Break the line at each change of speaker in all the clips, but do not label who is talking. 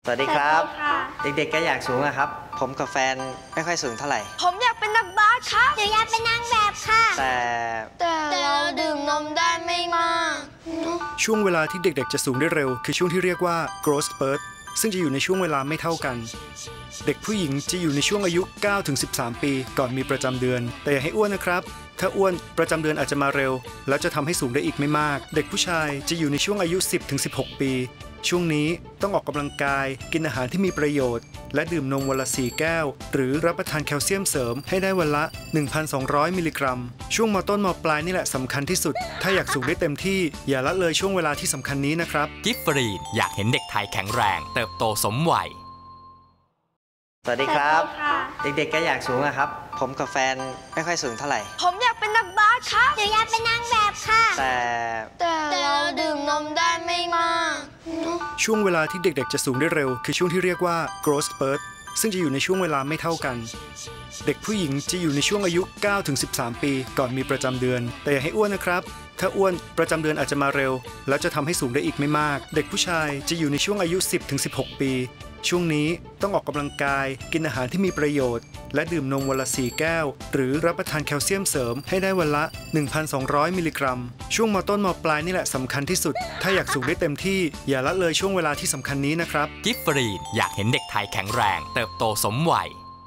สวัสดีครับเด็กๆก็อยากสูงอะครับผมกับแฟนไม่ค่อยสูงเท่าไหร่
ผมอยากเป็นนักบาสครับ
หนูอยากเป็นนางแบบค่ะ
แต่เราดื่มนมได้ไม่มาก
ช่วงเวลาที่เด็กๆจะสูงได้เร็วคือช่วงที่เรียกว่า growth spurt ซึ่งจะอยู่ในช่วงเวลาไม่เท่ากันเด็กผู้หญิงจะอยู่ในช่วงอายุ 9-13 ปีก่อนมีประจำเดือนแต่อย่าให้อ้วนนะครับถ้าอ้วนประจำเดือนอาจจะมาเร็วแล้วจะทำให้สูงได้อีกไม่มากเด็กผู้ชายจะอยู่ในช่วงอายุ 10-16 ปีช่วงนี้ต้องออกกำลังกายกินอาหารที่มีประโยชน์และดื่มนมวันละ4 แก้วหรือรับประทานแคลเซียมเสริมให้ได้วันละ 1,200 มิลลิกรัมช่วงมต้นมปลายนี่แหละสำคัญที่สุดถ้าอยากสูงได้เต็มที่อย่าละเลยช่วงเวลาที่สำคัญนี้นะครับ
กิฟฟรีนอยากเห็นเด็กไทยแข็งแรงเติบโตสมวัย
สวัสดีครับเด็กๆก็อยากสูงอะครับผมกับแฟนไม่ค่อยสูงเท่าไหร่
ผมอยากเป็นนักบาสครับ
หนูอยากเป็นนางแบบค่ะ
แต่เราดื่มนมได้ไม่มาก
ช่วงเวลาที่เด็กๆจะสูงได้เร็วคือช่วงที่เรียกว่า growth spurt ซึ่งจะอยู่ในช่วงเวลาไม่เท่ากันเด็กผู้หญิงจะอยู่ในช่วงอายุ 9-13 ปีก่อนมีประจำเดือนแต่อย่าให้อ้วนนะครับถ้าอ้วนประจำเดือนอาจจะมาเร็วแล้วจะทำให้สูงได้อีกไม่มากเด็กผู้ชายจะอยู่ในช่วงอายุ 10-16 ปีช่วงนี้ต้องออกกำลังกายกินอาหารที่มีประโยชน์และดื่มนมวันละ4 แก้วหรือรับประทานแคลเซียมเสริมให้ได้วันละ 1,200 มิลลิกรัมช่วงมต้นมปลายนี่แหละสำคัญที่สุดถ้าอยากสูงได้เต็มที่อย่าละเลยช่วงเวลาที่สำคัญนี้นะครับ
กิฟฟรีนอยากเห็นเด็กไทยแข็งแรงเติบโตสมวัย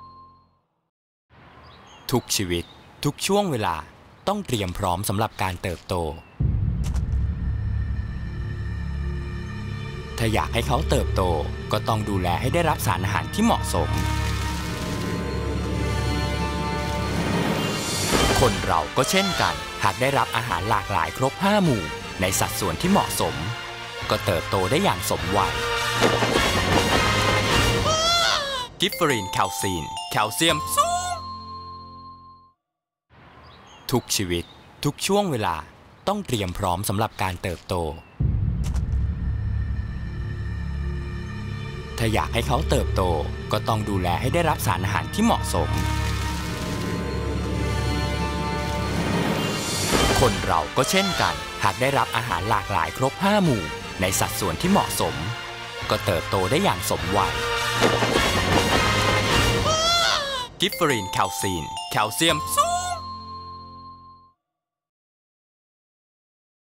ทุกชีวิตทุกช่วงเวลาต้องเตรียมพร้อมสำหรับการเติบโตถ้าอยากให้เขาเติบโตก็ต้องดูแลให้ได้รับสารอาหารที่เหมาะสมคนเราก็เช่นกันหากได้รับอาหารหลากหลายครบ5 หมู่ในสัดส่วนที่เหมาะสมก็เติบโตได้อย่างสมวัยกิฟฟรีนแคลซีนแคลเซียมสูงทุกชีวิตทุกช่วงเวลาต้องเตรียมพร้อมสำหรับการเติบโตถ้าอยากให้เขาเติบโตก็ต้องดูแลให้ได้รับสารอาหารที่เหมาะสมคนเราก็เช่นกันหากได้รับอาหารหลากหลายครบ5 หมู่ในสัดส่วนที่เหมาะสมก็เติบโตได้อย่างสมวัยกิฟฟรีนแคลซีนแคลเซียมสูง